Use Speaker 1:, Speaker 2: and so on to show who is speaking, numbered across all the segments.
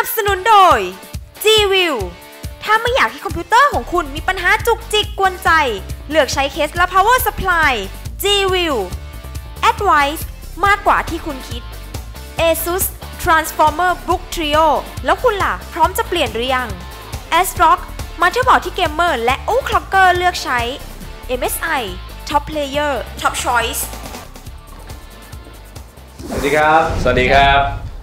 Speaker 1: นับสนุนโดย G-View ถ้าไม่อยากให้คอมพิวเตอร์ของคุณมีปัญหาจุกจิกกวนใจเลือกใช้เคสและ power supply G-View Advice มากกว่าที่คุณคิด ASUS Transformer Book Trio แล้วคุณล่ะพร้อมจะเปลี่ยนหรือยัง ASRock มาเตอร์บอร์ดที่เกมเมอร์และคล็อกเกอร์เลือกใช้ MSI Top Player Top Choice
Speaker 2: สวัสดีครับ
Speaker 3: สวัสดีครับ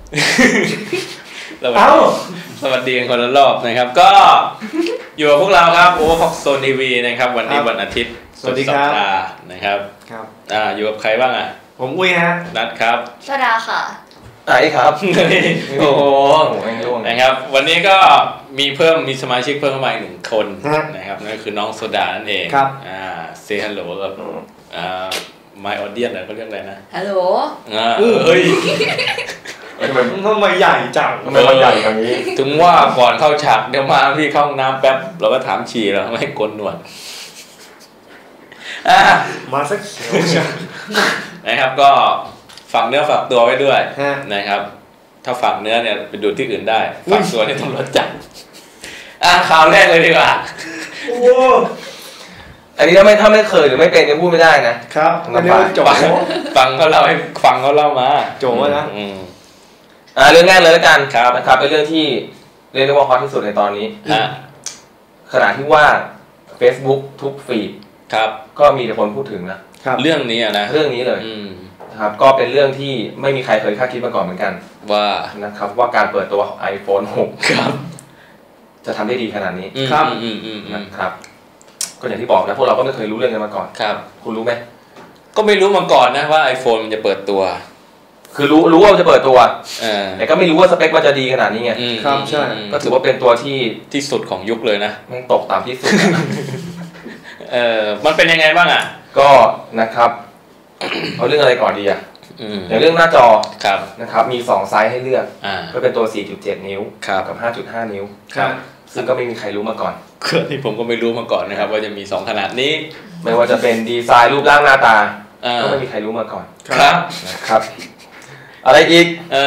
Speaker 3: สวัสดีกันคนละรอบนะครับก็อยู่กับพวกเราครับโอเวอร์พ็อกโซนทีวีนะครับวันนี้วันอาทิตย์สุดสัปดาห์นะครับอยู่กับใครบ้างอ่ะ
Speaker 2: ผมอุ้ยฮะ
Speaker 3: นัดครับ
Speaker 4: ชดาค่ะ
Speaker 3: ไอ้ครับโอ้โหนะครับวันนี้ก็มีสมาชิกเพิ่มเข้ามาอีก1 คนนะครับนั่นคือน้องโซดานั่นเอง
Speaker 2: ครับ
Speaker 3: say hello กับmy audience เขาเรียกอะไรนะ
Speaker 4: ฮัลโหล
Speaker 3: เฮ้ย
Speaker 2: ทำไมใหญ่จัง
Speaker 3: ทำไมมันใหญ่อย่างนี้ถึงว่าก่อนเข้าฉากเดี๋ยวมาพี่เข้าห้องน้ำแป๊บเราก็ถามฉี่แล้วไม่ให้กลหนวด
Speaker 2: มาสักเขียว
Speaker 3: นะครับก็ฝากเนื้อฝากตัวไว้ด้วยนะครับถ้าฝากเนื้อเนี่ยไปดูที่อื่นได้ฝากตัวนี่ตำรวจจับข่าวแรกเลยดีกว่า
Speaker 2: โอ้
Speaker 5: อันนี้ถ้าไม่เคยหรือไม่เป็นจะพูดไม่ได้นะครับ
Speaker 2: อันนี้โจ
Speaker 3: ฟังเขาเล่าให้ฟังเขาเล่ามา
Speaker 2: โจนะ
Speaker 5: เรื่องแรกเลยแล้วกันนะครับเป็นเรื่องที่เรียกได้ว่าฮอตที่สุดในตอนนี้ขณะที่ว่า Facebook ทุกฟีดก็มีแต่คนพูดถึงนะ
Speaker 3: เรื่องนี้นะ
Speaker 5: เรื่องนี้เลยนะครับก็เป็นเรื่องที่ไม่มีใครเคยคาดคิดมาก่อนเหมือนกัน
Speaker 3: ว่า
Speaker 5: นะครับว่าการเปิดตัว iPhone 6ครับจะทำได้ดีขนาดนี้
Speaker 3: ครับ
Speaker 5: นะครับก็อย่างที่บอกนะพวกเราก็ไม่เคยรู้เรื่องกันมาก่อน
Speaker 3: ครับ
Speaker 5: คุณรู้ไหม
Speaker 3: ก็ไม่รู้มาก่อนนะว่า iPhone มันจะเปิดตัว
Speaker 5: คือรู้ว่าจะเปิดตัวแต่ก็ไม่รู้ว่าสเปคมันจะดีขนาดนี้ไง
Speaker 2: ครับใช่
Speaker 5: ก็ถือว่าเป็นตัวที่
Speaker 3: สุดของยุคเลยนะ
Speaker 5: แม่งตกต่ำที่สุด
Speaker 3: มันเป็นยังไงบ้างอ่ะ
Speaker 5: ก็นะครับเอาเรื่องอะไรก่อนดีอ่ะอย่างเรื่องหน้าจอนะครับมี2ไซส์ให้เลือกก็เป็นตัว 4.7 นิ้วกับ 5.5 นิ้วซึ่งก็ไม่มีใครรู้มาก่อน
Speaker 3: นี่ผมก็ไม่รู้มาก่อนนะครับว่าจะมี2ขนาดนี้
Speaker 5: ไม่ว่าจะเป็นดีไซน์รูปร่างหน้าตาก็ไม่มีใครรู้มาก่อนนะครับอะไรอีก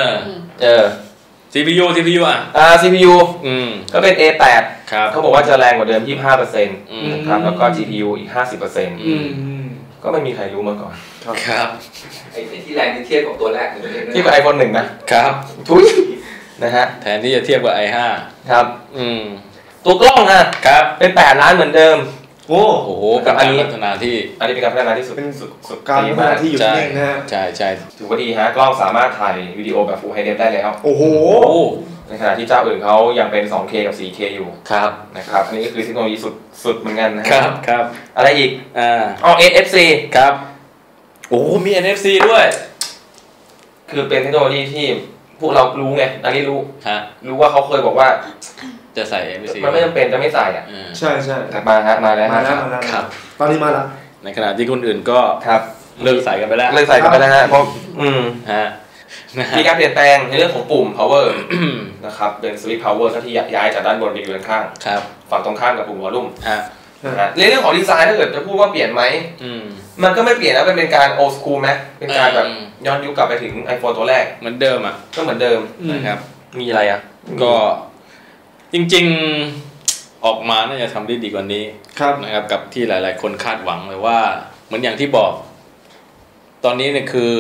Speaker 3: CPU อ่ะ
Speaker 5: CPU ก็เป็น A8 เขาบอกว่าจะแรงกว่าเดิม 25% นะครับแล้วก็ GPU อีก 50% ก็ไม่มีใครรู้มาก่อน
Speaker 3: ครับ
Speaker 5: ไอ้ที่แรงที่เทียบกับตัวแรกเทียบกับ iPhone 1นะครับทุยนะฮะ
Speaker 3: แทนที่จะเทียบกับ i5
Speaker 5: ครับตัวกล้อง
Speaker 3: ครับ
Speaker 5: เป็น8 ล้านเหมือนเดิม
Speaker 3: โอ้โหกับอันนี้พัฒนาที่
Speaker 5: อันนี้เป็นการพัฒนาที่สุด
Speaker 2: เป็นสุดการพัฒนาที่อยู่นิ่งนะฮะ
Speaker 3: ใช่
Speaker 5: ถือว่าดีฮะกล้องสามารถถ่ายวิดีโอแบบ Full HD ได้แล้ว
Speaker 2: โอ้โห
Speaker 5: ในขณะที่เจ้าอื่นเขายังเป็น 2K กับ 4K อยู่
Speaker 3: ครับ
Speaker 5: นะครับอันนี้ก็คือเทคโนโลยีสุดเหมือนกันนะครับอะไรอีกNFC
Speaker 3: ครับโอ้มี NFC ด้วย
Speaker 5: คือเป็นเทคโนโลยีที่พวกเรารู้ไงอันนี้รู้ว่าเขาเคยบอกว่า
Speaker 3: จะใส่ NFC
Speaker 5: มันไม่จำเป็นจะไม่ใส่
Speaker 2: ใช่
Speaker 5: แต่มาแล้ว
Speaker 2: ครับตอนนี้มาแล้ว
Speaker 3: ในขณะที่คนอื่นก็เลิกใส่กันไปแล้ว
Speaker 5: ฮะเพราะมีการเปลี่ยนแปลงในเรื่องของปุ่ม power นะครับเป็น switch power ที่ย้ายจากด้านบนไปอยู่ด้านข้างฝั่งตรงข้ามกับปุ่ม volume ในเรื่องของดีไซน์ถ้าเกิดจะพูดว่าเปลี่ยนไหมมันก็ไม่เปลี่ยนนะเป็นการ old school ไหมเป็นการแบบย้อนยุคกลับไปถึง iPhone ตัวแรก
Speaker 3: เหมือนเดิม
Speaker 5: ก็เหมือนเดิม
Speaker 3: นะครับ
Speaker 5: มีอะไร
Speaker 3: ก็จริงๆออกมาน่าจะทำได้ดีกว่านี้นะครับกับที่หลายๆคนคาดหวังเลยว่าเหมือนอย่างที่บอกตอนนี้เนี่ยคือ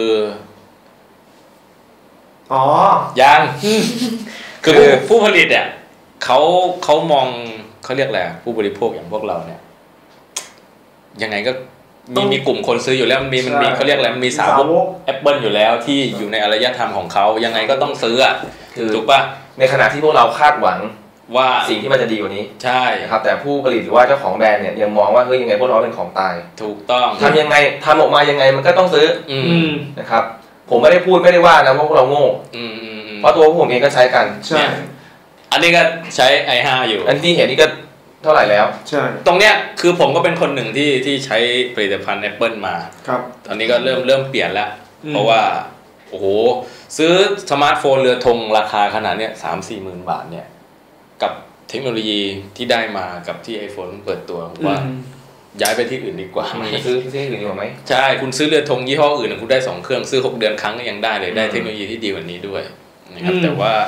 Speaker 3: ยังคือผู้ผลิตเนี่ยเขามองเขาเรียกอะไรผู้บริโภคอย่างพวกเราเนี่ยยังไงก็มีกลุ่มคนซื้ออยู่แล้วมันมีเขาเรียกอะไรมันมีสาวก Apple อยู่แล้วที่อยู่ในอารยธรรมของเขายังไงก็ต้องซื้อถูกป่ะ
Speaker 5: ในขณะที่พวกเราคาดหวัง
Speaker 3: ว่า
Speaker 5: สิ่งที่มันจะดีกว่านี้
Speaker 3: ใช่
Speaker 5: ครับแต่ผู้ผลิตหรือว่าเจ้าของแบรนด์เนี่ยยังมองว่าเฮ้ยยังไงพวกเราเป็นของตาย
Speaker 3: ถูกต้อง
Speaker 5: ทำยังไงทำออกมายังไงมันก็ต้องซื้อนะครับผมไม่ได้ว่านะว่าพวกเราโง่เพราะตัวผมเองก็ใช้กัน
Speaker 2: ใช่
Speaker 3: อันนี้ก็ใช้ i5 อยู่
Speaker 5: อันที่เห็นนี่ก็เท่าไหร่แล้ว
Speaker 2: ใช่
Speaker 3: ตรงเนี้ยคือผมก็เป็นคนหนึ่งที่ใช้ผลิตภัณฑ์ Apple มา
Speaker 2: ครับ
Speaker 3: ตอนนี้ก็เริ่มเปลี่ยนแล้วเพราะว่าโอ้โหซื้อสมาร์ทโฟนเรือธงราคาขนาดเนี้ย 3-4 หมื่นบาทเนี่ยกับเทคโนโลยีที่ได้มากับที่ iPhone เปิดตัวว่าย้ายไปที่อื่นดีกว่าไหม
Speaker 5: ซื้อที่อื่นดีกว่าไหม
Speaker 3: ใช่คุณซื้อเรือธงยี่ห้ออื่นคุณได้2 เครื่องซื้อ6 เดือนครั้งก็ยังได้เลยได้เทคโนโลยีที่ดีกว่านี้ด้วยนะครับแต่ว่า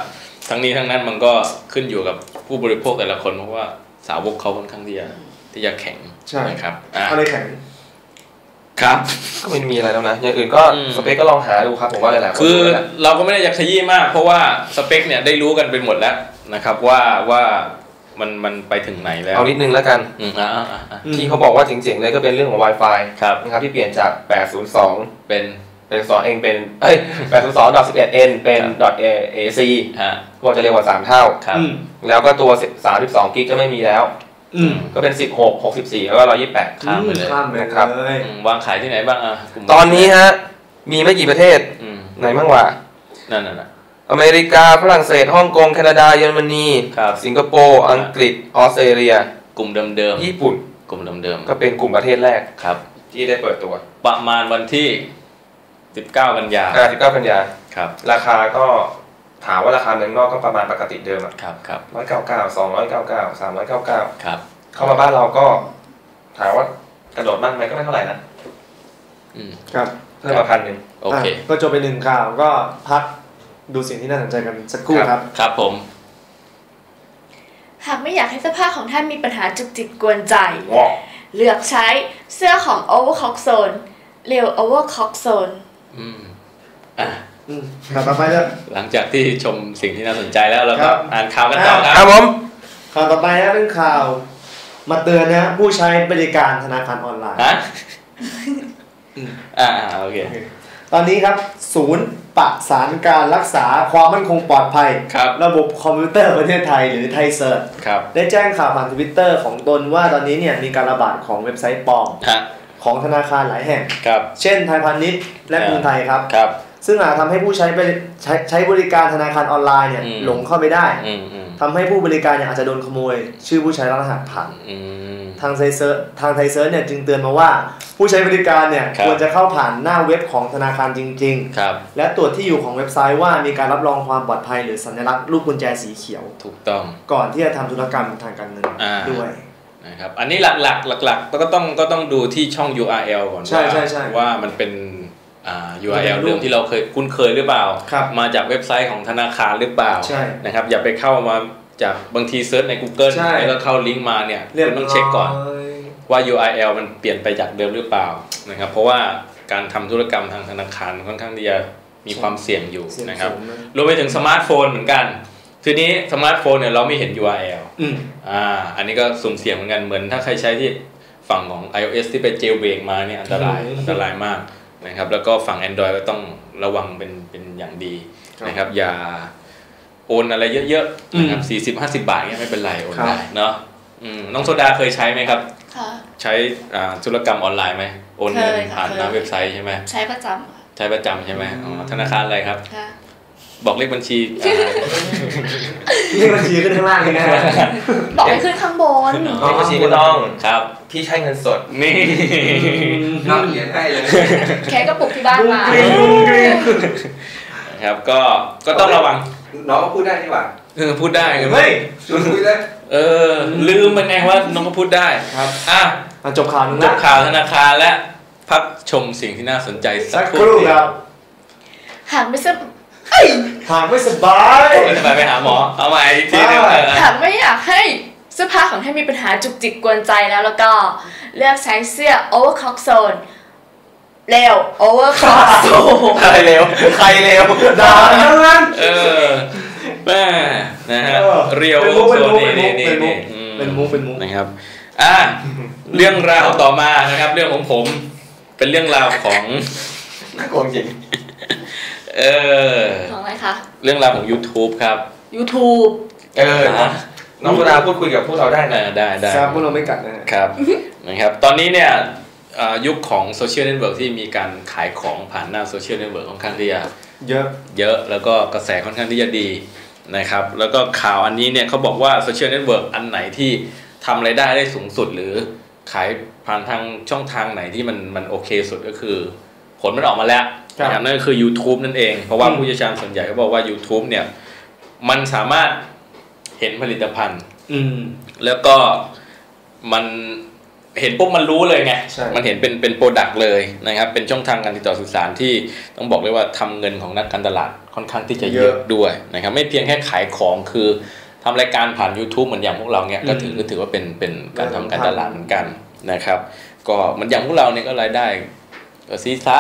Speaker 3: ทั้งนี้ทั้งนั้นมันก็ขึ้นอยู่กับผู้บริโภคแต่ละคนเพราะว่าสาวกเขาค่อนข้างที่จะแข็งนะครับ
Speaker 2: อะไรแข็ง
Speaker 3: ครับ
Speaker 5: ก็ไม่มีอะไรแล้วนะอย่างอื่นก็สเปคก็ลองหาดูครับผมว่าหลายๆคน
Speaker 3: คือเราก็ไม่ได้อยากขยี้มากเพราะว่าสเปคเนี่ยได้รู้กันไปหมดแล้วนะครับว่ามันไปถึงไหนแล้ว
Speaker 5: เอานิดนึงแล้วกันที่เขาบอกว่าเจ๋งๆเลยก็เป็นเรื่องของ Wi-Fi นะครับที่เปลี่ยนจาก802เป็น2 เองเป็น802.11n เป็น .ac ก็จะเร็วกว่า3เท่าแล้วก็ตัว32 กิกจะไม่มีแล้วก็เป็น16 64แล้วก็128
Speaker 3: ข้ามไปเลย
Speaker 5: นะครับ
Speaker 3: วางขายที่ไหนบ้าง
Speaker 5: ตอนนี้ฮะมีไม่กี่ประเทศไหนบ้างวะ
Speaker 3: นั่นน่ะ
Speaker 5: อเมริกาฝรั่งเศสฮ่องกงแคนาดาเยอรมนีสิงคโปร์อังกฤษออสเตรเลีย
Speaker 3: กลุ่มเดิม
Speaker 5: ๆญี่ปุ่น
Speaker 3: กลุ่มเดิม
Speaker 5: ๆก็เป็นกลุ่มประเทศแรก
Speaker 3: ครับ
Speaker 5: ที่ได้เปิดตัว
Speaker 3: ประมาณวันที่19 กันยา
Speaker 5: 19 กันยา
Speaker 3: ครับ
Speaker 5: ราคาก็ถามว่าราคาเมืองนอกก็ประมาณปกติเดิม
Speaker 3: ครับ
Speaker 5: 199 299 399
Speaker 3: ครับ
Speaker 5: เข้ามาบ้านเราก็ถามว่ากระโดดมากไหมก็ไม่เท่าไหร่นะ
Speaker 2: ครับ
Speaker 5: เพิ่มมา1,000
Speaker 3: โอเค
Speaker 2: ก็จบไป1ข่าวก็พักดูสิ่งที่น่าสนใจกันสักครู่ครับ
Speaker 3: ครับผม
Speaker 1: หากไม่อยากให้เสื้อผ้าของท่านมีปัญหาจุกจิกกวนใจเลือกใช้เสื้อของ Overcock Zone เร็ว Overcock Zone
Speaker 2: ต่อไปแล้ว
Speaker 3: หลังจากที่ชมสิ่งที่น่าสนใจแล้วเราก็อ่านข่าวกันต่อ
Speaker 5: ครับผม
Speaker 2: ข่าวต่อไปนะเป็นข่าวมาเตือนนะผู้ใช้บริการธนาคารออนไลน์
Speaker 3: โอเค
Speaker 2: ตอนนี้ครับศูนย์ประสานการรักษาความมั่นคงปลอดภัยระบบคอมพิวเตอร์ประเทศไทยหรือไทยเซิร์ชได้แจ้งข่าวผ่าน Twitter ของตนว่าตอนนี้เนี่ยมีการระบาดของเว็บไซต์ปลอมของธนาคารหลายแห่งเช่นไทยพาณิชย์และกรุงไทยครับซึ่งอาจทำให้ผู้ใช้บริการธนาคารออนไลน์เนี่ยหลงเข้าไปได้ทำให้ผู้บริการเนี่ยอาจจะโดนขโมยชื่อผู้ใช้รหัสผ่านทางไทยเซิร์ชเนี่ยจึงเตือนมาว่าผู้ใช้บริการเนี่ยควรจะเข้าผ่านหน้าเว็บของธนาคารจริงๆและตรวจที่อยู่ของเว็บไซต์ว่ามีการรับรองความปลอดภัยหรือสัญลักษณ์รูปกุญแจสีเขียว
Speaker 3: ถูกต้อง
Speaker 2: ก่อนที่จะทำธุรกรรมทางการเงินด้วย
Speaker 3: นะครับอันนี้หลักก็ต้องดูที่ช่อง URL ก่อนว่ามันเป็นURL เดิมที่เราเคยคุ้นเคยหรือเปล่ามาจากเว็บไซต์ของธนาคารหรือเปล่านะครับอย่าไปเข้ามาจากบางทีเซิร์ชใน Google แล้วก็เข้าลิงก์มาเนี่ยคุณต้องเช็คก่อนว่า URL มันเปลี่ยนไปจากเดิมหรือเปล่านะครับเพราะว่าการทำธุรกรรมทางธนาคารค่อนข้างที่จะมีความเสี่ยงอยู่นะครับรวมไปถึงสมาร์ทโฟนเหมือนกันทีนี้สมาร์ทโฟนเนี่ยเราไม่เห็น URL อันนี้ก็สุ่มเสี่ยงเหมือนกันเหมือนถ้าใครใช้ที่ฝั่งของ iOS ที่ไปเจลเบรกมาเนี่ยอันตรายมากนะครับแล้วก็ฝั่ง Android ก็ต้องระวังเป็นอย่างดีนะครับอย่าโอนอะไรเยอะๆนะครับ40-50 บาทเนี่ยไม่เป็นไรโอนได้เนาะน้องโซดาเคยใช้ไหมครับใช้ธุรกรรมออนไลน์ไหมโอนเงินผ่านหน้าเว็บไซต์ใช่ไหม
Speaker 1: ใช้ประจ
Speaker 3: ำใช่ไหมธนาคารอะไรครับบอกเลขบัญชี
Speaker 2: เลขบัญชีขึ้นข้างล่างเลยนะ
Speaker 1: บอกให้ขึ้นข้างบน
Speaker 5: เลขบัญชีก็ต้อง
Speaker 3: ครับ
Speaker 5: พี่ใช้เงินสด
Speaker 3: นี่
Speaker 5: น้ำเหรียญให้เลย
Speaker 1: แค่กระปุกที่บ้านมา
Speaker 3: ครับก็ต้องระวัง
Speaker 5: น้องก็พูดได้ดีกว่า
Speaker 3: พูดได้
Speaker 5: เฮ้ยชวนคุยได้
Speaker 3: ลืมมันไงว่าน้องก็พูดได้
Speaker 2: ครับ
Speaker 3: จบข่าวธนาคารและพักชมสิ่งที่น่าสนใจ
Speaker 2: สักครู่ครับ
Speaker 1: หากไม่ส
Speaker 2: บาย
Speaker 3: ไปหาหมอเอาใหม่อีกทีนึง
Speaker 1: หากไม่อยากให้เสื้อผ้าของท่านมีปัญหาจุกจิกกวนใจแล้วก็เลือกใช้เสื้อ Overcock Zone เร็ว Overcock Zone
Speaker 5: ใครเร็ว
Speaker 2: ด่าทั้งนั้น
Speaker 3: แม่นะฮะเรียวโซนนี่
Speaker 2: เป็นมุก
Speaker 3: นะครับเรื่องราวต่อมานะครับเรื่องของผมเป็นเรื่องราวของ
Speaker 5: น่ากลัวจริง
Speaker 1: ของอะไรคะ
Speaker 3: เรื่องราวของ YouTube ครับ
Speaker 1: YouTube
Speaker 5: น้องโซดาพูดคุยกับพวกเราได้นะ
Speaker 3: ได้
Speaker 2: ครับพวกเราไม่กัด
Speaker 3: นะครับนะครับตอนนี้เนี่ยยุคของโซเชียลเน็ตเวิร์กที่มีการขายของผ่านหน้าโซเชียลเน็ตเวิร์กค่อนข้างที่จะเยอะแล้วก็กระแสค่อนข้างที่จะดีนะครับแล้วก็ข่าวอันนี้เนี่ยเขาบอกว่าโซเชียลเน็ตเวิร์กอันไหนที่ทำรายได้สูงสุดหรือขายผ่านทางช่องทางไหนที่มันโอเคสุดก็คือผลมันออกมาแล้วนะครับนั่นก็คือ YouTube นั่นเองเพราะว่าผู้เชี่ยวชาญส่วนใหญ่ก็บอกว่า YouTube เนี่ยมันสามารถเห็นผลิตภัณฑ์แล้วก็มันเห็นปุ๊บมันรู้เลยไงมันเห็นเป็นโปรดักต์เลยนะครับเป็นช่องทางการติดต่อสื่อสารที่ต้องบอกเลยว่าทำเงินของนักการตลาดค่อนข้างที่จะเยอะด้วยนะครับไม่เพียงแค่ขายของคือทำรายการผ่าน YouTube เหมือนอย่างพวกเราเนี่ยก็ถือว่าเป็นการทำการตลาดเหมือนกันนะครับก็เหมือนอย่างพวกเราเนี่ยก็รายได้ก็ซีซ่า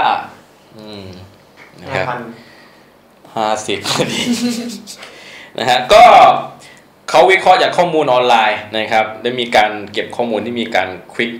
Speaker 3: นะครับ50พอดีนะฮะก็เขาวิเคราะห์จากข้อมูลออนไลน์นะครับได้มีการเก็บข้อมูลที่มีการคลิ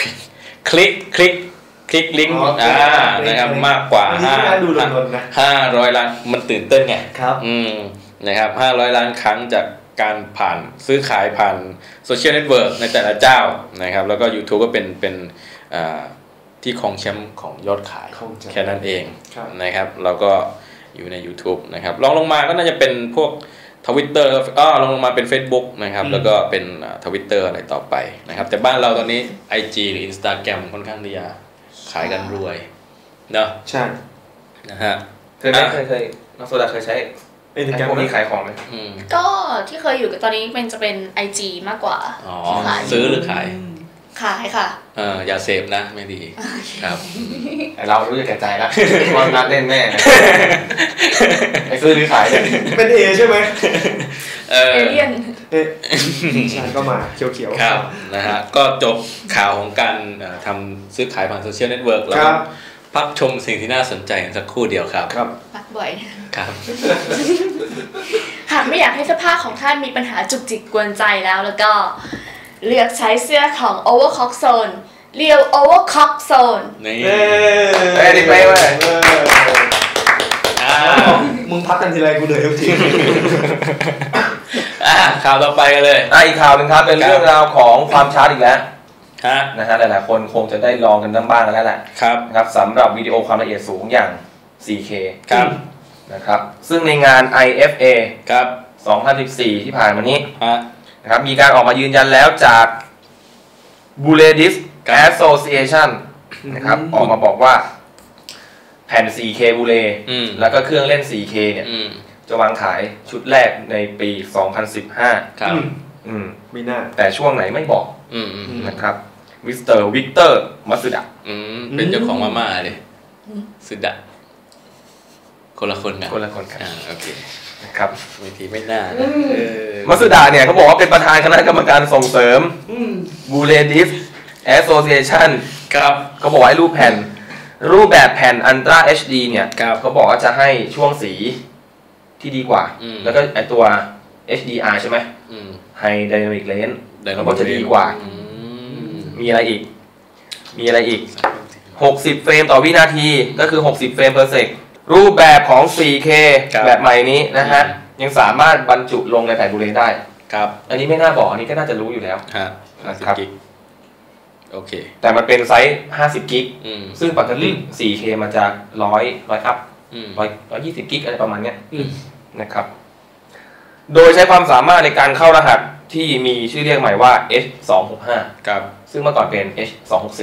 Speaker 3: กลิงก์นะครับมากกว่า500 ล้านมันตื่นเต้นไงนะครับ500 ล้านครั้งจากการผ่านซื้อขายผ่านโซเชียลเน็ตเวิร์กในแต่ละเจ้านะครับแล้วก็ YouTube ก็เป็นที่ครองแชมป์ของยอดขายแค่นั้นเองนะครับเราก็อยู่ใน YouTube นะครับลงมาก็น่าจะเป็นพวกTwitter ลงมาเป็น Facebook นะครับแล้วก็เป็นTwitter อะไรต่อไปนะครับแต่บ้านเราตอนนี้ IG หรือ Instagram ค่อนข้างที่จะขายกันรวยเนาะ
Speaker 2: ใช่
Speaker 3: นะฮะ
Speaker 5: เคยน้องโซดาเคยใช้พวกนี้ขายของไหม
Speaker 4: ก็ที่เคยอยู่กับตอนนี้จะเป็น IG มากกว่า
Speaker 3: ซื้อหรือขาย
Speaker 4: ค่ะ
Speaker 3: อย่าเสพนะไม่ดีครับ
Speaker 5: เรารู้แก่ใจแล้วว่านัดเล่นแม่ไอ้ซื้อหรือขาย
Speaker 2: เป็นเอใช่ไหม
Speaker 4: เอเลี่ยน
Speaker 2: ใช่ก็มาเขียว
Speaker 3: ๆครับนะฮะก็จบข่าวของการทำซื้อขายผ่านโซเชียลเน็ตเวิร์กแล้วพักชมสิ่งที่น่าสนใจสักครู่เดียวครับ
Speaker 4: พักบ่อย
Speaker 3: ครับ
Speaker 4: หากไม่อยากให้เสื้อผ้าของท่านมีปัญหาจุกจิกกวนใจแล้วก็เลือกใช้เสื้อของ Overcock Zone เรียว Overcock Zone
Speaker 3: นี่
Speaker 5: ดีไปเว้ย
Speaker 2: มึงพักกันทีไรกูเหนื่อยทุกที
Speaker 3: ข่าวต่อไปกันเลย
Speaker 5: อีกข่าวนึงครับเป็นเรื่องราวของความชาร์จอีกแล้วนะฮะหลายๆคนคงจะได้ลองกันบ้างแล้วแหละครับสำหรับวิดีโอความละเอียดสูงอย่าง 4K
Speaker 3: ครับ
Speaker 5: นะครับซึ่งในงาน IFA
Speaker 3: ครับ
Speaker 5: 2014ที่ผ่านมานี้นะครับมีการออกมายืนยันแล้วจาก Blu-ray Disc Association นะครับออกมาบอกว่าแผ่น 4K Blu-ray แล้วก็เครื่องเล่น 4K เนี่ยจะวางขายชุดแรกในปี 2015
Speaker 3: ครับ
Speaker 2: มีหน้า
Speaker 5: แต่ช่วงไหนไม่บอกนะครับมิสเตอร์วิกเตอร์มัตสึดะ
Speaker 3: เป็นเจ้าของมาม่าเลยสึดะคนละคนกันโอเค
Speaker 5: นะครับ
Speaker 3: วิธีไม่น่า
Speaker 5: มัตสึดะเนี่ยเขาบอกว่าเป็นประธานคณะกรรมการส่งเสริม Blu-ray Disc Association
Speaker 3: ครับ
Speaker 5: เขาบอกว่ารูปแบบแผ่น Ultra HD เนี่ยเขาบอกว่าจะให้ช่วงสีที่ดีกว่าแล้วก็ไอตัว HDR ใช่ไหมHigh Dynamic Range เขาบอกจะดีกว่ามีอะไรอีก60เฟรมต่อวินาทีก็คือ60เฟรม per sec รูปแบบของ 4K แบบใหม่นี้นะฮะยังสามารถบรรจุลงในแผ่นบูเลได้
Speaker 3: ครับ
Speaker 5: อันนี้ไม่น่าบอกอันนี้ก็น่าจะรู้อยู่แล้ว
Speaker 3: 50 กิกโอเค
Speaker 5: แต่มันเป็นไซส์50 กิกซึ่งปกติ 4K มันจะ100อัพ120 กิกอะไรประมาณเนี้ยนะครับโดยใช้ความสามารถในการเข้ารหัสที่มีชื่อเรียกใหม่ว่า H265
Speaker 3: ครับ
Speaker 5: ซึ่งเมื่อก่อนเป็น H264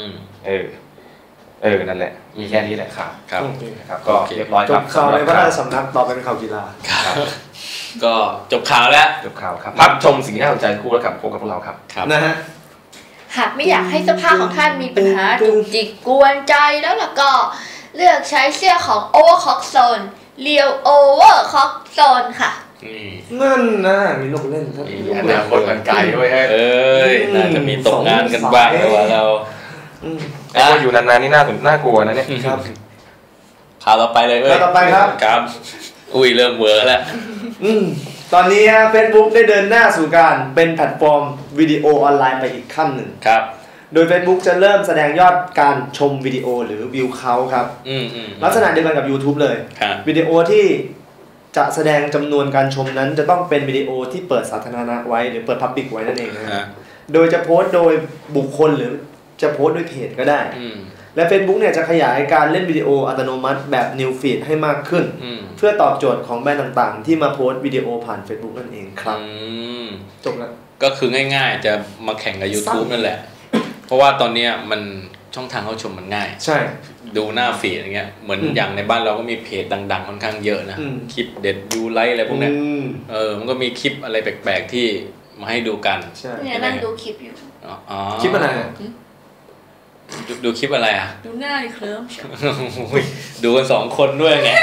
Speaker 5: นั่นแหละมีแค่นี้แหละครับครับก็เรียบร้อย
Speaker 2: ครับจบข่าวในพระราชสำนักต่อเป็นข่าวกีฬา
Speaker 3: ก็จบข่าวแล้ว
Speaker 5: ครับพักชมสิ่งที่น่าสนใจคู่แล้วกับพวกเราครับ
Speaker 2: นะฮะ
Speaker 4: หากไม่อยากให้เสื้อผ้าของท่านมีปัญหาจุกจิกกวนใจแล้วก็เลือกใช้เสื้อของ Overcock Zone เรียว Overcock Zone ค่ะ
Speaker 2: นั่นนะมีลูกเล่นครับ
Speaker 5: มีอนาคตมันไกลด้วย
Speaker 3: น่าจะมีตกงานกันบ้างแล้วเรา
Speaker 5: ไอ้คนอยู่นานๆนี่น่ากลัวนะเนี่ย
Speaker 2: ครับ
Speaker 3: ข่าวต่อไปเลย
Speaker 2: ข่าวต่อไปครับ
Speaker 3: เริ่มเวอร์แล้ว
Speaker 2: ตอนนี้ Facebook ได้เดินหน้าสู่การเป็นแพลตฟอร์มวิดีโอออนไลน์ไปอีกขั้นหนึ่ง
Speaker 3: ครับ
Speaker 2: โดย Facebook จะเริ่มแสดงยอดการชมวิดีโอหรือวิวเขาครับลักษณะเดียวกันกับ YouTube เลยวิดีโอที่จะแสดงจำนวนการชมนั้นจะต้องเป็นวิดีโอที่เปิดสาธารณะไว้หรือเปิด Public ไว้นั่นเองนะโดยจะโพสต์โดยบุคคลหรือจะโพสต์ด้วยเพจก็ได้และ Facebook เนี่ยจะขยายการเล่นวิดีโออัตโนมัติแบบ New Feed ให้มากขึ้นเพื่อตอบโจทย์ของแบรนด์ต่างๆที่มาโพสต์วิดีโอผ่าน Facebook นั่นเองครับจบแล้ว
Speaker 3: ก็คือง่ายๆจะมาแข่งกับ YouTube นั่นแหละเพราะว่าตอนนี้มันช่องทางเข้าชมมันง่าย
Speaker 2: ใช่
Speaker 3: ดูหน้าฟีดอย่างเงี้ยเหมือนอย่างในบ้านเราก็มีเพจดังๆค่อนข้างเยอะนะคลิปเด็ดยูไลท์อะไรพวกนี้มันก็มีคลิปอะไรแปลกๆที่มาให้ดูกัน
Speaker 4: เนี่ยนั่งดูคลิปอยู่
Speaker 2: คลิปอะไร
Speaker 3: ดูคลิปอะไรอ่ะ
Speaker 4: ดูหน้าเคลิ้ม
Speaker 3: ดูกัน2 คนด้วยไง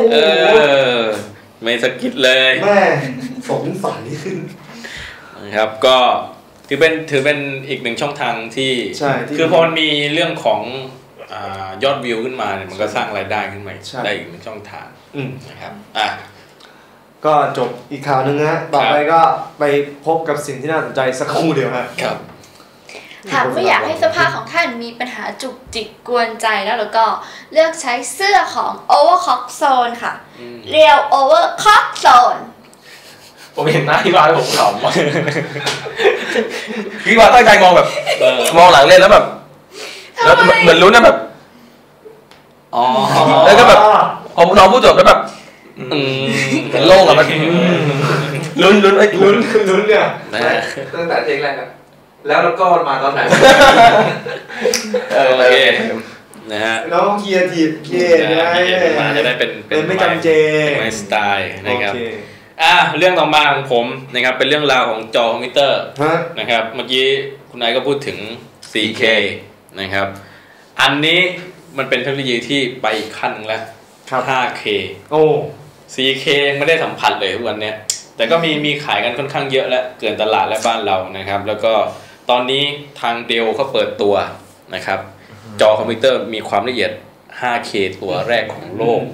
Speaker 3: ไม่สกิดเลย
Speaker 2: แม่สงสัย
Speaker 3: นะครับก็ถือเป็นอีก1ช่องทางที่คือพอมันมีเรื่องของยอดวิวขึ้นมาเนี่ยมันก็สร้างรายได้ขึ้นมาได้อีก1ช่องทางนะครับ
Speaker 2: ก็จบอีกข่าวนึงนะต่อไปก็ไปพบกับสิ่งที่น่าสนใจสักครู่เดียว
Speaker 3: ครับ
Speaker 4: หากไม่อยากให้เสื้อผ้าของท่านมีปัญหาจุกจิกกวนใจแล้วก็เลือกใช้เสื้อของ Overcock Zone ค่ะ Real Overcock Zone
Speaker 5: ผมเห็นหน้าพี่วานผมขำพี่วานตั้งใจมองแบบมองหลังเล่นแล้วแบบแล้วเหมือนลุ้นนะแบบแล้วก็แบบพอน้องพูดจบแล้วแบบเป็นโล่งอะมันลุ้นเนี่ยตั้งแต่เพลงแรกอะแล้วก็มาตอนไหน
Speaker 3: โอเคนะฮะ
Speaker 2: น้องเคียร์ทีฟเย่
Speaker 3: มาจะได้เป็น
Speaker 2: ไม่จำเจ
Speaker 3: ไม่สไตล์นะครับเรื่องต่อมาของผมนะครับเป็นเรื่องราวของจอคอมพิวเตอร์นะครับเมื่อกี้คุณนายก็พูดถึง 4K นะครับอันนี้มันเป็นเทคโนโลยีที่ไปอีกขั้นนึงแล้ว 5K 4K ยังไม่ได้สัมผัสเลยทุกวันนี้แต่ก็มีขายกันค่อนข้างเยอะและเกินตลาดและบ้านเรานะครับแล้วก็ตอนนี้ทางเดลเขาเปิดตัวนะครับจอคอมพิวเตอร์มีความละเอียด 5K ตัวแรกของโลก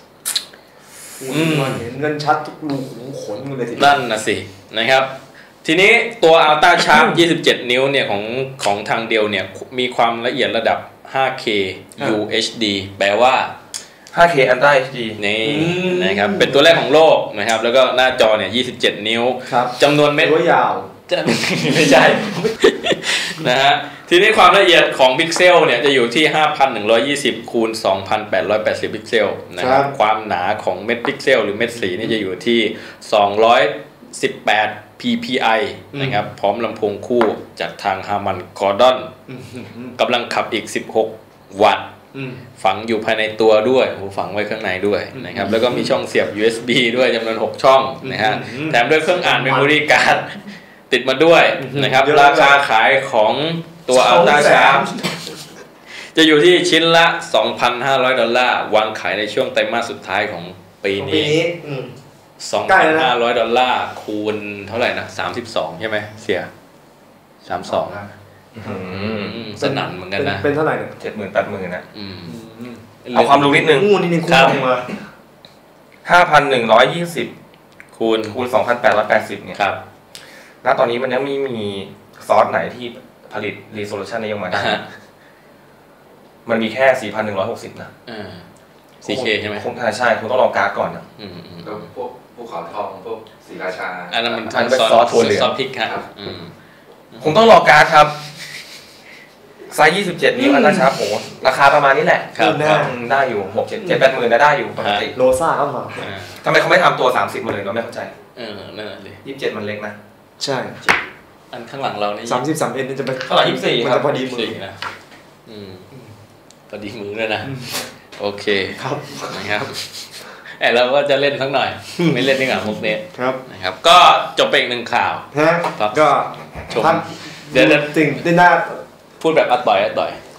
Speaker 2: เห็นเงินชัดทุกรูขุมขนเลยที
Speaker 3: นั่นนะสินะครับทีนี้ตัว Ultra Sharp 27 นิ้วเนี่ยของทางเดลเนี่ยมีความละเอียดระดับ 5K UHD แปลว่า
Speaker 5: 5K Ultra HD
Speaker 3: นี่นะครับเป็นตัวแรกของโลกนะครับแล้วก็หน้าจอเนี่ย27 นิ้วจำนวนเม็ด
Speaker 2: ยาว
Speaker 3: ไม่ใช่นะฮะทีนี้ความละเอียดของพิกเซลเนี่ยจะอยู่ที่ 5,120 คูณ 2,880 พิกเซลนะครับความหนาของเม็ดพิกเซลหรือเม็ดสีนี่จะอยู่ที่218 ppi นะครับพร้อมลำโพงคู่จากทาง Harman Kardon กำลังขับอีก16 วัตต์ฝังอยู่ภายในตัวด้วยฝังไว้ข้างในด้วยนะครับแล้วก็มีช่องเสียบ USB ด้วยจำนวน6ช่องนะฮะแถมด้วยเครื่องอ่าน Memory Card ติดมาด้วยนะครับราคาขายของตัว Ultra Sharp จะอยู่ที่ชิ้นละ $2,500 วางขายในช่วงไตรมาสสุดท้ายของปีนี้$2,500 คูณเท่าไหร่นะ32ใช่ไหมเสีย32สนั่นเหมือนกันนะ
Speaker 2: เป็นเท่าไหร่เนี่ย
Speaker 5: 70,000 80,000นะเอาความรู้นิดนึง5,120 คูณ 2,880 เนี่ย
Speaker 3: ครับ
Speaker 5: ณตอนนี้มันยังไม่มีซอสไหนที่ผลิต resolution นี้ออกมาได้มันมีแค่ 4,160 นะ
Speaker 3: 4K ใช่ไหม
Speaker 5: คงใช่คงต้องลองการ์ดก่อนนะ
Speaker 6: แล้วพวกภูเขาทองพวกศรีราชา
Speaker 3: อันนั้นมัน
Speaker 5: เป็นซอสถั่วเหลือง
Speaker 3: ซอสพริกครับ
Speaker 5: คงต้องลองการ์ดครับไซส์27 นิ้วอันนั้นครับโหราคาประมาณนี้แหละได้อยู่ 6-7-80,000ได้อยู่ปกติ
Speaker 2: โลซ่าก็มา
Speaker 5: ทำไมเขาไม่ทำตัว 30 มาเลยเราไม่เข้าใจ
Speaker 3: นั่นแหละดิ
Speaker 5: 27 มันเล็กนะ
Speaker 2: ใช่
Speaker 3: อันข้างหลังเรานี่
Speaker 2: 33 นี่จะเป็น
Speaker 5: เท่าไหร่24
Speaker 2: มันจะพอดีมือ
Speaker 3: นะพอดีมือเลยนะโอเค
Speaker 2: ครับ
Speaker 3: นะครับเราก็จะเล่นสักหน่อยไม่เล่นดีกว่ามุกนี้
Speaker 2: ครับ
Speaker 3: นะครับก็จบไปอีก1ข่าว
Speaker 2: ก็
Speaker 3: ชมเดี๋ยว
Speaker 2: สิ่งที่น่า
Speaker 3: พูดแบบอัดต่อย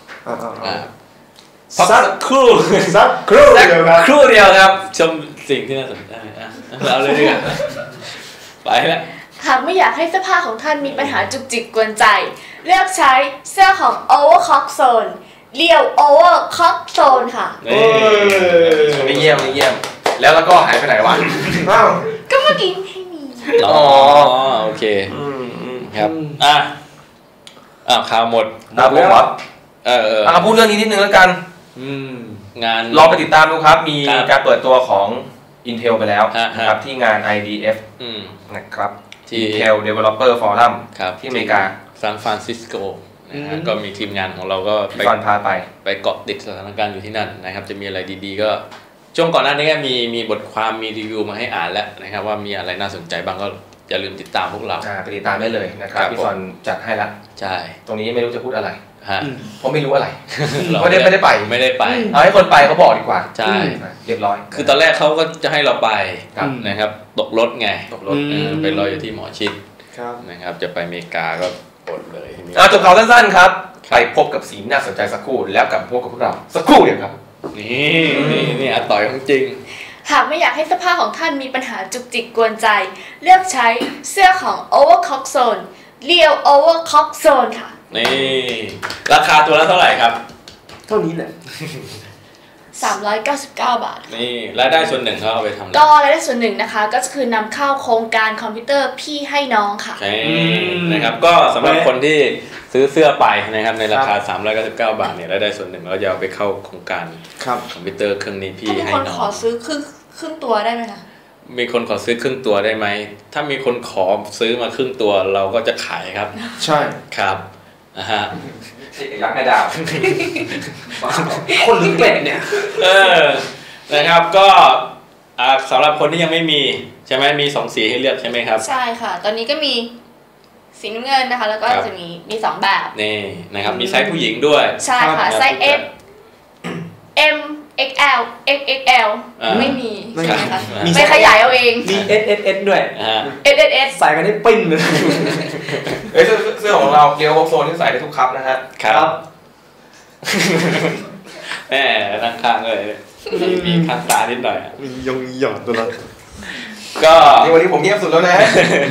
Speaker 2: สักครู่เดี
Speaker 3: ยวครับชมสิ่งที่น่าสนใจเราเลยดีกว่าไปแล้ว
Speaker 4: หากไม่อยากให้เสื้อผ้าของท่านมีปัญหาจุกจิกกวนใจเลือกใช้เสื้อของ Overcock Zone Real Overcock Zone ค่ะ
Speaker 5: ไม่เยี่ยมแล้วก็หายไปไหนวะ
Speaker 4: ก็เมื่อกี้ให้มี
Speaker 3: โอเคครับข่าวหมด
Speaker 5: ผมครับพูดเรื่องนี้นิดนึงแล้วกัน
Speaker 3: งาน
Speaker 5: รอไปติดตามดูครับมีการเปิดตัวของ Intel ไปแล้วนะครับที่งาน IDF นะครับIntel Developer Forum ที่อเมริกา
Speaker 3: ซานฟรานซิสโกก็มีทีมงานของเราก็
Speaker 5: พา
Speaker 3: ไปเกาะติดสถานการณ์อยู่ที่นั่นนะครับจะมีอะไรดีๆก็ช่วงก่อนหน้านี้ก็มีบทความมีรีวิวมาให้อ่านแล้วนะครับว่ามีอะไรน่าสนใจบ้างก็อย่าลืมติดตามพวกเรา
Speaker 5: ไปติดตามได้เลยนะครับพี่ซอนจัดให้ละ
Speaker 3: ใช่
Speaker 5: ตรงนี้ไม่รู้จะพูดอะไรเพราะไม่รู้อะไร
Speaker 3: ไม่ได้ไป
Speaker 5: เอาให้คนไปเขาบอกดีกว่า
Speaker 3: ใช่
Speaker 5: เรียบร้อย
Speaker 3: คือตอนแรกเขาก็จะให้เราไปนะครับตกรถไงไปรออยู่ที่หมอชิดนะครับจะไปอเมริกาก็อดเลยทีนี้
Speaker 5: จบข่าวสั้นๆครับไปพบกับสีน่าสนใจสักครู่แล้วกลับพบกับพวกเราสักครู่เดียวครับ
Speaker 3: นี่อาต่อยของจริง
Speaker 4: หากไม่อยากให้เสื้อผ้าของท่านมีปัญหาจุกจิกกวนใจเลือกใช้เสื้อของ Overcock Zone เรียว Overcock Zone ค่ะ
Speaker 3: นี่ราคาตัวละเท่าไหร่ครับ
Speaker 2: เท่านี้แหละ
Speaker 4: 399 บาท
Speaker 3: นี่รายได้ส่วนหนึ่งเขาเอาไปทำ
Speaker 4: ก็รายได้ส่วนหนึ่งนะคะก็คือนำเข้าโครงการคอมพิวเตอร์พี่ให้น้องค่ะ
Speaker 3: นะครับก็สำหรับคนที่ซื้อเสื้อไปนะครับในราคา399 บาทเนี่ยรายได้ส่วนหนึ่งเราจะเอาไปเข้าโครงการคอมพิวเตอร์เครื่องนี้พี่ให้น้อง
Speaker 4: มีคนขอซื้อครึ่งตัวได้ไหมคะ
Speaker 3: มีคนขอซื้อครึ่งตัวได้ไหมถ้ามีคนขอซื้อมาครึ่งตัวเราก็จะขายครับ
Speaker 2: ใช่
Speaker 3: ครับฮะ
Speaker 5: ยักษ์ให้ดาว
Speaker 2: คนหรือเป็ดเนี่ย
Speaker 3: นะครับก็สำหรับคนที่ยังไม่มีใช่ไหมมี2สีให้เลือกใช่ไหมครับ
Speaker 4: ใช่ค่ะตอนนี้ก็มีสีน้ำเงินนะคะแล้วก็จะมี2แบบ
Speaker 3: นี่นะครับมีไซส์ผู้หญิงด้วย
Speaker 4: ใช่ค่ะไซส์ S M XL XXL ไม่มีใช่ไหมคะไม่ขยายเอาเอง
Speaker 2: มี SSS ด้วย
Speaker 4: SSS
Speaker 2: ใส่กันได้ปิ้งเลย
Speaker 5: เสื้อของเราเกียวโซนที่ใส่ได้ทุกคัพนะฮะ
Speaker 3: ครับแหมตั้งข้างเลยมีข้างตานิดหน่อย
Speaker 2: มียงหย่อนตัวนั้น
Speaker 3: ก็
Speaker 5: วันนี้ผมเงียบสุดแล้วนะ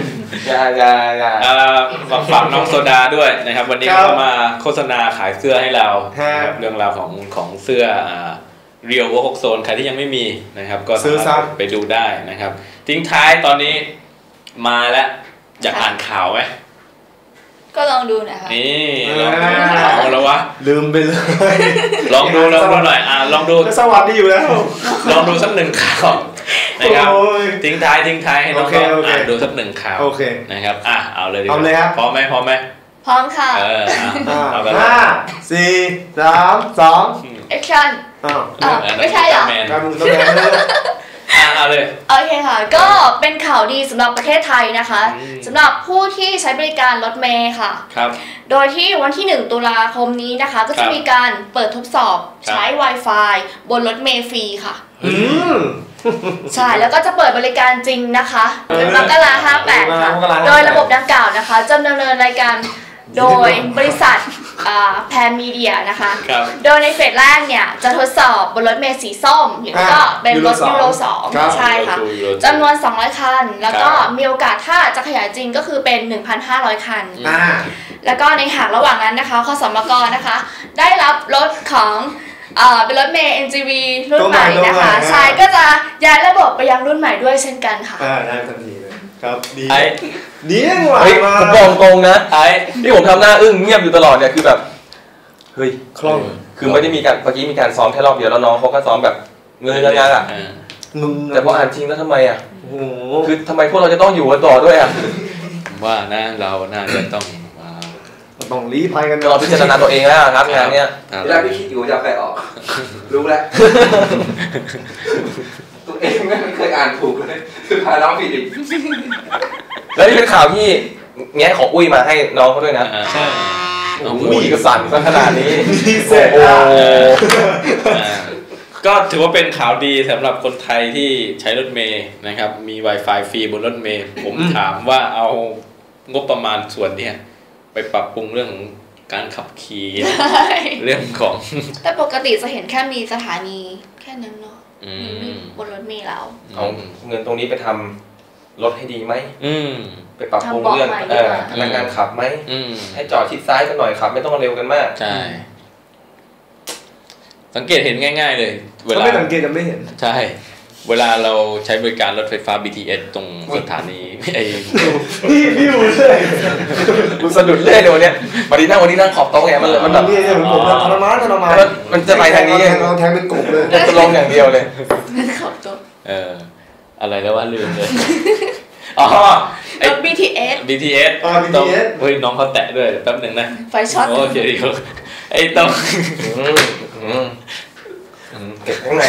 Speaker 3: ฝากน้องโซดาด้วยนะครับวันนี้เขามาโฆษณาขายเสื้อให้เราเรื่องราวของเสื้อเรียวOvercock Zoneใครที่ยังไม่มีนะครับก็
Speaker 2: ซื้อซัก
Speaker 3: ไปดูได้นะครับทิ้งท้ายตอนนี้มาแล้วอยากอ่านข่าวไหม
Speaker 4: ก็ลองดูนะคะ
Speaker 3: นี่ลองดูข่าวแล้ววะ
Speaker 2: ลืมไปเลย
Speaker 3: ลองดูหน่อยลองดู
Speaker 2: สวัสดีอยู่แล้ว
Speaker 3: ลองดูสักหนึ่งข่าวนะครับทิ้งท้ายให้น้องอ่านดูสักหนึ่งข่าวนะครับเอาเลยดีกว่าพร้อมไหม
Speaker 4: พร้อมค่ะ
Speaker 2: 5 4 3 2
Speaker 4: action ไม่ใช่เหรอ
Speaker 3: เอาเลย
Speaker 4: โอเคค่ะก็เป็นข่าวดีสำหรับประเทศไทยนะคะสำหรับผู้ที่ใช้บริการรถเมล์ค่ะโดยที่วันที่1 ตุลาคมนี้นะคะก็จะมีการเปิดทดสอบใช้ Wi-Fi บนรถเมล์ฟรีค่ะใช่แล้วก็จะเปิดบริการจริงนะคะเป็นมกราคม58ค่ะโดยระบบดังกล่าวนะคะจะดำเนินรายการโดยบริษัทแพนมีเดียนะคะโดยในเฟสแรกเนี่ยจะทดสอบบนรถเมล์สีส้มแล้วก็เป็นรถยูโร 2ใช่ค่ะจำนวน200 คันแล้วก็มีโอกาสถ้าจะขยายจริงก็คือเป็น 1,500 คันแล้วก็ในหากระหว่างนั้นนะคะคสมกนะคะได้รับรถของเป็นรถเมล์ NGV รุ่นใหม่นะคะใช่ก็จะย้ายระบบไปยังรุ่นใหม่ด้วยเช่นกันค่ะ
Speaker 2: ได้ทันทีเลยครับดีดีจังวะ
Speaker 5: ผมบอกตรงนะที่ผมทำหน้าอึ้งเงียบอยู่ตลอดเนี่ยคือแบบเฮ้ย
Speaker 2: คล่อง
Speaker 5: คือไม่ได้มีการเมื่อกี้มีการซ้อมแค่รอบเดียวแล้วน้องเขาก็ซ้อมแบบเงยงานแต่พออ่านจริงแล้วทำไมคือทำไมพวกเราจะต้องอยู่กันต่อด้วย
Speaker 3: ว่านะเราน่าจะต้อง
Speaker 2: ลี้ภัยกัน
Speaker 5: เราพิจารณาตัวเองแล้วครับงานเนี้ย
Speaker 6: ที่แรกพี่คิดอยู่จะเอาใครออกรู้แล้วตัวเองไม่เคยอ่านถูกเลยคือพาน้องผิดอีก
Speaker 5: แล้วนี่เป็นข่าวที่แง่ของอุ้ยมาให้น้องเขาด้วยนะ
Speaker 3: ใช่
Speaker 5: อุ้ยก็สั่นซะขนาดนี้
Speaker 2: โอ้
Speaker 3: ก็ถือว่าเป็นข่าวดีสำหรับคนไทยที่ใช้รถเมล์นะครับมี Wi-Fi ฟรีบนรถเมล์ผมถามว่าเอางบประมาณส่วนนี้ไปปรับปรุงเรื่องของการขับขี่เรื่องของ
Speaker 4: แต่ปกติจะเห็นแค่มีสถานีแค่นั้นเนาะบนรถเมล์เรา
Speaker 5: เอาเงินตรงนี้ไปทำรถให้ดีไหมไปปรับปรุงเรื่องพนักงานขับไหมให้จอดชิดซ้ายกันหน่อยขับไม่ต้องเร็วกันมาก
Speaker 3: ใช่สังเกตเห็นง่ายๆเลย
Speaker 2: เวลาไม่สังเกตจะไม่เห็น
Speaker 3: ใช่เวลาเราใช้บริการรถไฟฟ้า BTS ตรงสถานี
Speaker 2: นี่พี่อยู่เลย
Speaker 5: กูสะดุดเล่นเลยวันนี้วันนี้นั่งขอบโต๊ะไงมันแบบ
Speaker 2: นี่ผมทรมาน
Speaker 5: มันจะไปทางนี้
Speaker 2: เราแทงเป็นกบเลย
Speaker 5: จะลงอย่างเดียวเลย
Speaker 4: ขอบโต๊ะ
Speaker 3: อะไรแล้วว่าลืมเลย
Speaker 4: รถ BTS
Speaker 3: เฮ้ยน้องเขาแตะด้วยแป๊บหนึ่งนะ
Speaker 4: ไฟช็อต
Speaker 3: โอเคดีไอ้ต้อง
Speaker 5: เก็บข้างใน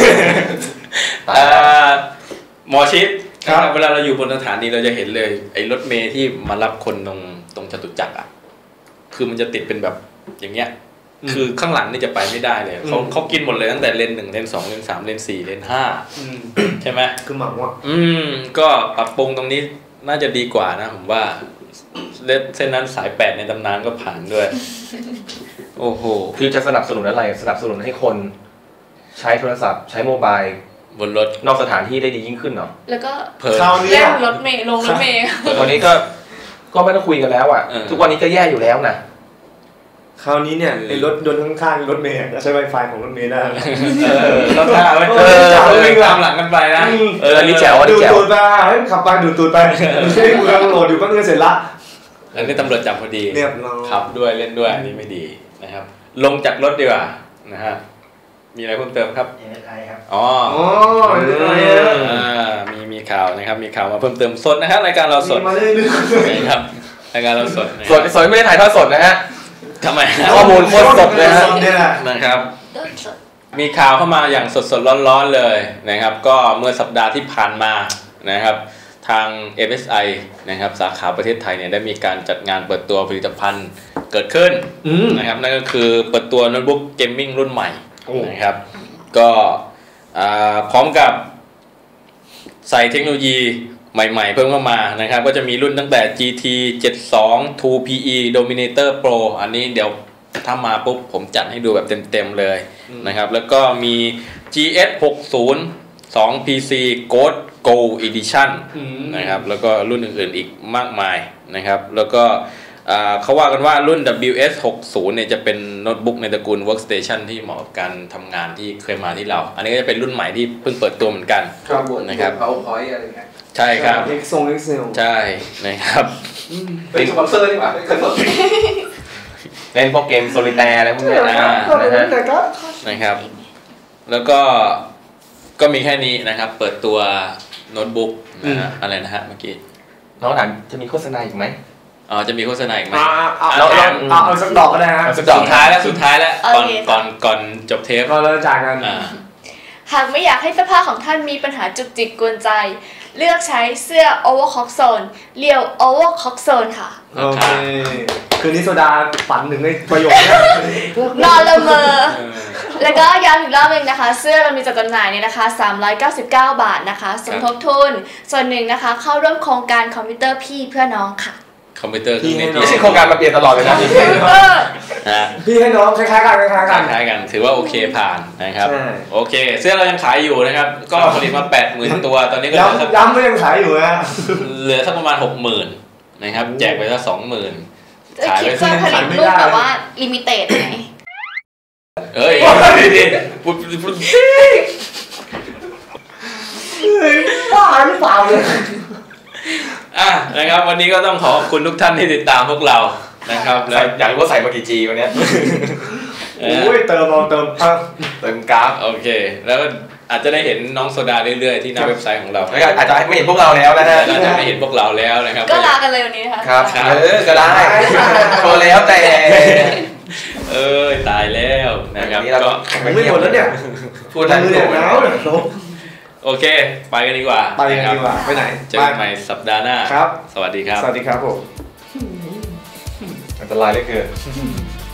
Speaker 3: หมอชิดเวลาเราอยู่บนสถานีเราจะเห็นเลยไอ้รถเมล์ที่มารับคนตรงจตุจักรอ่ะคือมันจะติดเป็นแบบอย่างเงี้ยคือข้างหลังนี่จะไปไม่ได้เลยเขากินหมดเลยตั้งแต่เลน 1 เลน 2 เลน 3 เลน 4 เลน 5ใช่ไหม
Speaker 2: คือหมักว่า
Speaker 3: ก็ปรับปรุงตรงนี้น่าจะดีกว่านะผมว่าเส้นนั้นสาย8ในตำนานก็ผ่านด้วยโอ้โห
Speaker 5: คือจะสนับสนุนอะไรสนับสนุนให้คนใช้โทรศัพท์ใช้โมบาย
Speaker 3: บนรถ
Speaker 5: นอกสถานที่ได้ดียิ่งขึ้นเนาะ
Speaker 4: แล้วก็
Speaker 2: เล่
Speaker 4: นรถเมล์ลงรถเมล์
Speaker 5: วันนี้ก็ไม่ต้องคุยกันแล้วอ่ะทุกวันนี้ก็แย่อยู่แล้วนะ
Speaker 2: คราวนี้เนี่ยไอ้รถยนต์ข้างๆรถเมล์จะใช้ Wi-Fi ของรถเมล์ได้
Speaker 3: รถท่าไว้วิ่งตามหลังกันไปนะ
Speaker 5: อันนี้แจ๋วอันนี้แจ๋ว
Speaker 2: ดูดไปให้ขับไปดูดตูดไปไม่ใช่กูกำลังโหลดอยู่ก็เสร็จละ
Speaker 3: อันนี้ตำรวจจับพอดี
Speaker 2: เรียบร้อย
Speaker 3: ขับด้วยเล่นด้วยอันนี้ไม่ดีนะครับลงจากรถดีกว่านะฮะมีอะไรเพิ่มเติมครับ
Speaker 2: ครับ
Speaker 3: อ๋อมีข่าวนะครับมีข่าวมาเพิ่มเติมสดนะฮะรายการเราสดนะครับรายการเราสด
Speaker 5: ไม่ได้ถ่ายทอดสดนะฮะ
Speaker 3: ทำไม
Speaker 5: ข้อมูลโคตรสดเลย
Speaker 3: นะครับมีข่าวเข้ามาอย่างสดๆร้อนๆเลยนะครับก็เมื่อสัปดาห์ที่ผ่านมานะครับทาง MSI นะครับสาขาประเทศไทยเนี่ยได้มีการจัดงานเปิดตัวผลิตภัณฑ์เกิดขึ้นนะครับนั่นก็คือเปิดตัวโน้ตบุ๊กเกมมิ่งรุ่นใหม่นะครับก็พร้อมกับใส่เทคโนโลยีใหม่ๆเพิ่มเข้ามานะครับก็จะมีรุ่นตั้งแต่ GT 72 2PE Dominator Pro อันนี้เดี๋ยวถ้ามาปุ๊บผมจัดให้ดูแบบเต็มๆเลยนะครับแล้วก็มี GS 60 2PC Gold Gold Edition นะครับแล้วก็รุ่นอื่นๆอีกมากมายนะครับแล้วก็เขาว่ากันว่ารุ่น WS 60เนี่ยจะเป็นโน้ตบุ๊กในตระกูล Workstation ที่เหมาะกับการทำงานที่เคยมาที่เราอันนี้ก็จะเป็นรุ่นใหม่ที่เพิ่งเปิดตัวเหมือนกันนะครับ
Speaker 6: PowerPoint อะไรเงี้ย
Speaker 3: ใช่ครับ
Speaker 2: Excel
Speaker 3: ใช่นะครับ
Speaker 6: เป็นสปอนเซอร์ดีกว่า
Speaker 5: เล่นพวกเกมโซลิแตร์อะไรพวกนี้
Speaker 3: นะครับแล้วก็มีแค่นี้นะครับเปิดตัวโน้ตบุ๊กนะฮะอะไรนะฮะเมื่อกี้
Speaker 5: น้องถามจะมีโฆษณาอีกไหม
Speaker 3: จะมีโฆษณาอีกไหม
Speaker 2: เอาสักดอกก็ได้ฮะ
Speaker 3: สุดท้ายแล้วก่อนจบเทป
Speaker 2: เราจะจากกัน
Speaker 4: หากไม่อยากให้เสื้อผ้าของท่านมีปัญหาจุกจิกกวนใจเลือกใช้เสื้อ Overcock Zone เรียว Overcock Zone ค่ะ
Speaker 2: โอเคคืนนี้โซดาฝันถึงในประโยคนี้
Speaker 4: นอนละเมอแล้วก็ย้ำอีกรอบนึงนะคะเสื้อเรามีจัดจำหน่ายเนี่ยนะคะ399 บาทนะคะสมทบทุนส่วนหนึ่งนะคะเข้าร่วมโครงการคอมพิวเตอร์พี่เพื่อน้องค่ะ
Speaker 3: คอมพิวเตอร์ที่
Speaker 5: ไม่ใช่โครงการมาเปลี่ยนตลอดเลยนะ
Speaker 2: พี่ให้น้องคล้ายๆ
Speaker 3: กันถือว่าโอเคผ่านนะครับโอเคเสื้อเรายังขายอยู่นะครับก็ผลิตมา 80,000 ตัวตอนนี้ก็
Speaker 2: ย้ำก็ยังขายอยู่นะ
Speaker 3: เหลือสักประมาณ 60,000 นะครับแจกไปสัก 20,000
Speaker 4: ขายไปสักผลิตรูปแบบว่าลิมิเต็ดไหม
Speaker 3: เฮ้ยพูด
Speaker 2: บ้าหรือเปล่าเลย
Speaker 3: นะครับวันนี้ก็ต้องขอบคุณทุกท่านที่ติดตามพวกเรานะครับแล้ว
Speaker 5: อยากรู้ว่าใส่มากี่ G วันนี้
Speaker 2: โอ้ยเติม
Speaker 5: กราฟ
Speaker 3: โอเคแล้วอาจจะได้เห็นน้องโซดาเรื่อยๆที่หน้าเว็บไซต์ของเรา
Speaker 5: อาจจะไม่เห็นพวกเราแล้วนะฮะ
Speaker 3: อาจจะไม่เห็นพวกเราแล้วนะครับ
Speaker 4: ก็ลากันเลยวันนี้นะคะ
Speaker 5: ครับก็ได้พอแล้วแต่
Speaker 3: ตายแล้วนะครับก็
Speaker 2: ไม่หมดแล้วเนี่ย
Speaker 5: พูดได้
Speaker 2: แล้ว
Speaker 3: โอเคไปกันดีกว่า
Speaker 2: ไปไหน
Speaker 3: เจอกันใหม่สัปดาห์หน้า
Speaker 2: ครับ
Speaker 3: สวัสดีครับ
Speaker 2: สวัสดีครับผม
Speaker 5: อันตรายเหลือเกิน